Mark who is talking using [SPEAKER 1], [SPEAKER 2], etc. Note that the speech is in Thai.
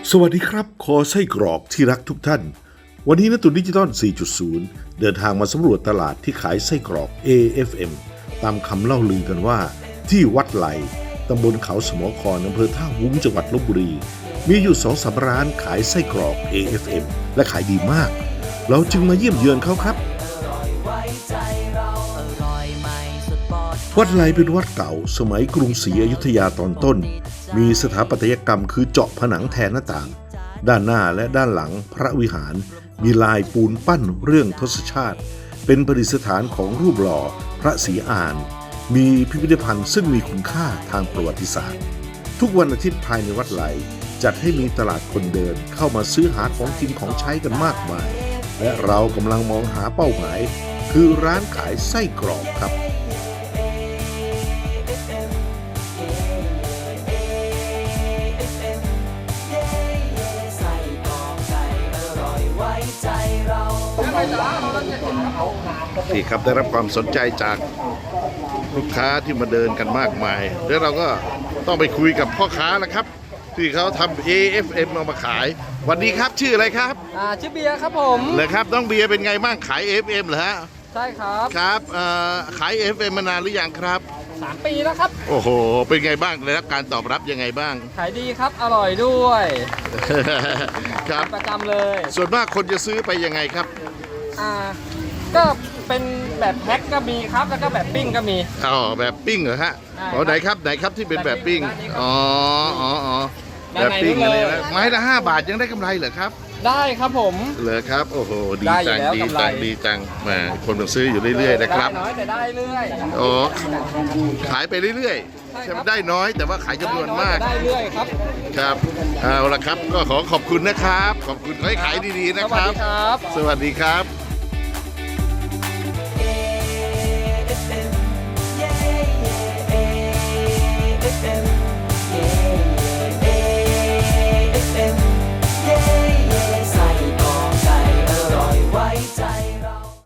[SPEAKER 1] สวัสดีครับคอไส้กรอกที่รักทุกท่านวันนี้ณตุนดิจิตอล 4.0 เดินทางมาสำรวจตลาดที่ขายไส้กรอก AFM ตามคำเล่าลือกันว่าที่วัดไหลตำบลเขาสมอครอำเภอท่าวุ้งจังหวัดลพบุรีมีอยู่2-3 ร้านขายไส้กรอก AFM และขายดีมากเราจึงมาเยี่ยมเยือนเขาครับวัดไหลเป็นวัดเก่าสมัยกรุงศรีอยุธยาตอนต้นมีสถาปัตยกรรมคือเจาะผนังแทนหน้าต่างด้านหน้าและด้านหลังพระวิหารมีลายปูนปั้นเรื่องทศชาติเป็นประดิษฐานของรูปหล่อพระศรีอานมีพิพิธภัณฑ์ซึ่งมีคุณค่าทางประวัติศาสตร์ทุกวันอาทิตย์ภายในวัดไหลจัดให้มีตลาดคนเดินเข้ามาซื้อหาของกินของใช้กันมากมายและเรากำลังมองหาเป้าหมายคือร้านขายไส้กรอกครับนี่ครับได้รับความสนใจจากลูกค้าที่มาเดินกันมากมายแล้วเราก็ต้องไปคุยกับพ่อค้าแล้วครับที่เขาทำ AFM เอามาขายวันนี้ครับชื่ออะไรครับ
[SPEAKER 2] ชื่อเบียร์ครับผม
[SPEAKER 1] เลยครับน้องเบียร์เป็นไงบ้างขาย AFM เหรอฮะ
[SPEAKER 2] ใช่ครับ
[SPEAKER 1] ครับขาย AFM มานานหรือยังครับ
[SPEAKER 2] 3 ปีแล้วครับ
[SPEAKER 1] โอ้โหเป็นไงบ้างได้รับการตอบรับยังไงบ้าง
[SPEAKER 2] ขายดีครับอร่อยด้วย
[SPEAKER 1] ครับ
[SPEAKER 2] ประจำเลย
[SPEAKER 1] ส่วนมากคนจะซื้อไปยังไงครับ
[SPEAKER 2] ก็เป็นแบบแพ็คก็มีครับแล้วก็แบบปิ้งก็มี
[SPEAKER 1] แบบปิ้งเหรอฮะไหนครับที่เป็นแบบปิ้งแบบปิ้งอะไรนะไม้ละ5 บาทยังได้กำไรเหรอครับ
[SPEAKER 2] ได้ครับผม
[SPEAKER 1] เหรอครับโอ้โหดีจังแหมคนมาซื้ออยู่เรื่อยๆนะครับ
[SPEAKER 2] ได้น้อยแต่ได้เรื่อย
[SPEAKER 1] ขายไปเรื่อยๆใช่ไหมได้น้อยแต่ว่าขายจำนวนมาก
[SPEAKER 2] ได้เรื่อยครับ
[SPEAKER 1] ครับเอาละครับก็ขอขอบคุณนะครับขอบคุณให้ขายดีๆนะครับ
[SPEAKER 2] สวัสดีครับ